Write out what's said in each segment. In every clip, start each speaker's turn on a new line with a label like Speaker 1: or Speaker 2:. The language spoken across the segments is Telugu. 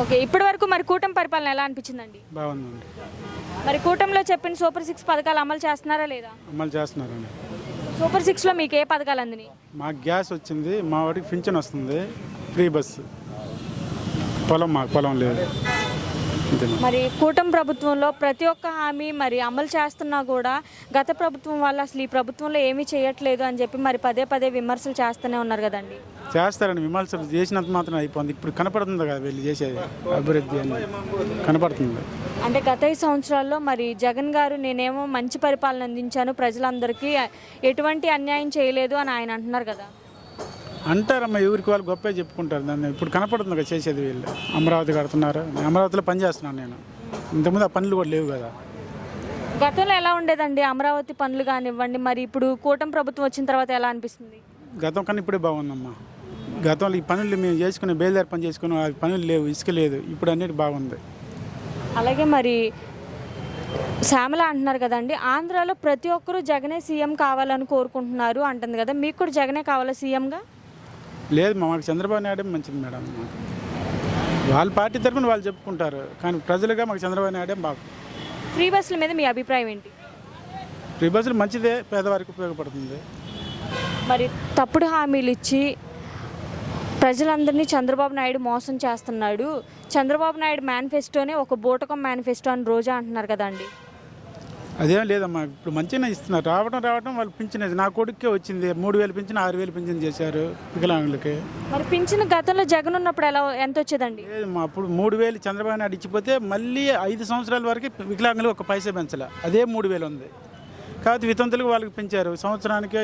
Speaker 1: ఓకే. ఇప్పటి వరకు మరి కూటమి పరిపాలన ఎలా అనిపించిందండి?
Speaker 2: బాగుందండి.
Speaker 1: మరి కూటమిలో చెప్పిన సూపర్ 6 పథకాలు అమలు చేస్తున్నారా లేదా?
Speaker 2: అమలు చేస్తున్నారండి.
Speaker 1: సూపర్ 6లో మీకు ఏ పథకాలు అందినాయి?
Speaker 2: మాకు గ్యాస్ వచ్చింది, మా వాడికి పింఛన్ వస్తుంది, ఫ్రీ బస్సు. మాకు పొలం లేదు.
Speaker 1: మరి కూటమి ప్రభుత్వంలో ప్రతి ఒక్క హామీ మరి అమలు చేస్తున్నా కూడా గత ప్రభుత్వం వాళ్ళు అసలు ఈ ప్రభుత్వంలో ఏమీ చేయట్లేదు అని చెప్పి మరి పదే పదే విమర్శలు చేస్తూనే ఉన్నారు కదండి.
Speaker 2: చేస్తారండి, విమర్శలు చేసినంత మాత్రం అయిపోయింది. ఇప్పుడు కనపడుతుంది కదా వీళ్ళు చేసేది అభివృద్ధి అని కనపడుతుంది.
Speaker 1: అంటే గత 5 సంవత్సరాల్లో మరి జగన్ గారు నేనేమో మంచి పరిపాలన అందించాను, ప్రజలందరికీ ఎటువంటి అన్యాయం చేయలేదు అని ఆయన అంటున్నారు కదా.
Speaker 2: అంటారమ్మా, ఎవరికి వాళ్ళు గొప్పే చెప్పుకుంటారు. దాన్ని ఇప్పుడు కనపడుతుంది కదా చేసేది వీళ్ళు. అమరావతి కడుతున్నారు, అమరావతిలో పని చేస్తున్నాను నేను. ఇంతకుముందు ఆ పనులు కూడా లేవు కదా.
Speaker 1: గతంలో ఎలా ఉండేదండి అమరావతి పనులు కానివ్వండి, మరి ఇప్పుడు కూటమి ప్రభుత్వం వచ్చిన తర్వాత ఎలా అనిపిస్తుంది?
Speaker 2: గతం కన్నా ఇప్పుడే బాగుందమ్మా. గతంలో ఈ పనులు మేము చేసుకునే బయలుదేరి పని చేసుకున్నాం, అది పనులు లేవు, ఇసుక లేదు. ఇప్పుడు అన్నిటి బాగుంది.
Speaker 1: అలాగే మరి శ్యామల అంటున్నారు కదండి, ఆంధ్రాలో ప్రతి ఒక్కరూ జగనే సీఎం కావాలని కోరుకుంటున్నారు అంటుంది కదా, మీకు కూడా జగనే కావాలా సీఎంగా?
Speaker 2: లేదు, మాకు చంద్రబాబు నాయుడు మంచిది మేడం. మాకు వాళ్ళ పార్టీ తరఫున వాళ్ళు చెప్పుకుంటారు, కానీ ప్రజలుగా మాకు చంద్రబాబు నాయుడే బాగు.
Speaker 1: ఫ్రీ బస్సుల మీద మీ అభిప్రాయం ఏంటి?
Speaker 2: ఫ్రీ బస్సులు మంచిదే, పేదవారికి ఉపయోగపడుతుంది.
Speaker 1: మరి తప్పుడు హామీలు ఇచ్చి ప్రజలందరినీ చంద్రబాబు నాయుడు మోసం చేస్తున్నాడు, చంద్రబాబు నాయుడు మేనిఫెస్టోనే ఒక బూటకం మేనిఫెస్టో అని రోజా అంటున్నారు కదండి.
Speaker 2: అదేం లేదమ్మా, ఇప్పుడు మంచిగానే ఇస్తున్నారు. రావడం వాళ్ళు పింఛన్. నా కొడుకే వచ్చింది 3,000 పింఛన్, 6,000 పింఛన్ చేశారు వికలాంగులకి.
Speaker 1: మరి పింఛన్ గతంలో జగన్ ఉన్నప్పుడు ఎంత వచ్చేదండి?
Speaker 2: లేదమ్మా, అప్పుడు 3,000 చంద్రబాబు నాయుడు ఇచ్చిపోతే మళ్ళీ 5 సంవత్సరాల వరకు వికలాంగులు ఒక పైసా పెంచలే, అదే 3,000 ఉంది. కాబట్టి వితంతులకు వాళ్ళకి పెంచారు, సంవత్సరానికి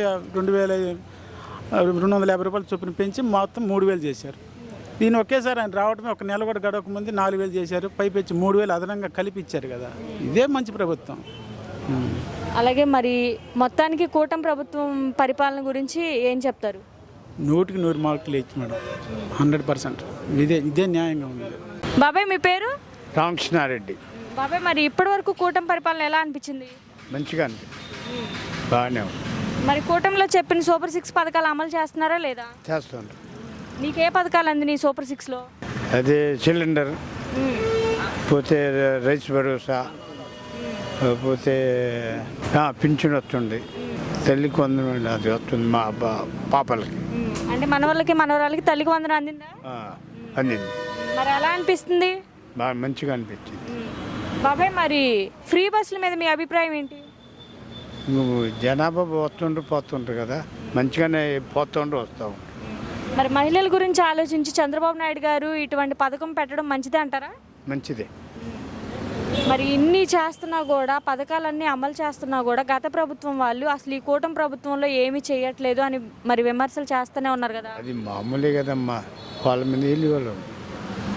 Speaker 2: 2,250 రూపాయలు చొప్పున పెంచి మొత్తం 3,000 చేశారు. దీన్ని ఒకేసారి ఆయన రావడమే, ఒక నెల కూడా గడవక ముందు 4,000 చేశారు, పైపెచ్చి 3,000 అదనంగా కలిపి ఇచ్చారు కదా. ఇదే మంచి ప్రభుత్వం.
Speaker 1: అలాగే మరి మొత్తానికి కూటమి ప్రభుత్వం పరిపాలన గురించి ఏం చెప్తారు?
Speaker 2: 100కి 100 మార్కులు ఇచ్చి మేడం, 100%. ఇదే న్యాయంగా ఉంది.
Speaker 1: బాబాయ్ మీ పేరు?
Speaker 3: రామకృష్ణారెడ్డి.
Speaker 1: బాబాయ్ మరి ఇప్పటి వరకు కూటమి పరిపాలన ఎలా అనిపించింది?
Speaker 3: మంచిగా అనిపించింది, బాగానే ఉంది.
Speaker 1: మరి కూటమిలో చెప్పిన సూపర్ 6 పథకాలు అమలు చేస్తున్నారా లేదా?
Speaker 3: చేస్తుండ్రు.
Speaker 1: నీకే పథకాలు అందినాయి సూపర్ 6లో?
Speaker 3: అదే సిలిండర్, పోతే రైస్ భరోసా, పోతే పింఛన్ వస్తుంది, తల్లికి వందనం అది వస్తుంది మా పాపలకి.
Speaker 1: అంటే మనవాళ్ళకి మనవరాలకి తల్లికి వందనం అందిందా?
Speaker 3: అందింది.
Speaker 1: మరి ఎలా అనిపిస్తుంది?
Speaker 3: బాగా మంచిగా అనిపించింది.
Speaker 1: బాబాయ్ మరి ఫ్రీ బస్సుల మీద మీ అభిప్రాయం ఏంటి?
Speaker 3: నువ్వు జనాభా పోతుండ్రు పోతుండ్రు కదా, మంచిగానే పోతుండ్రు వస్తావు.
Speaker 1: మరి మహిళల గురించి ఆలోచించి చంద్రబాబు నాయుడు గారు ఇటువంటి పథకం పెట్టడం మంచిదే అంటారా?
Speaker 3: మంచిదే.
Speaker 1: మరి ఇన్ని చేస్తున్నా కూడా, పథకాలన్నీ అమలు చేస్తున్నా కూడా గత ప్రభుత్వం వాళ్ళు అసలు ఈ కూటమి ప్రభుత్వంలో ఏమీ చేయట్లేదు అని మరి విమర్శలు చేస్తూనే ఉన్నారు కదా.
Speaker 3: అది మామూలే కదమ్మా, వాళ్ళ మీద వెళ్ళి వాళ్ళు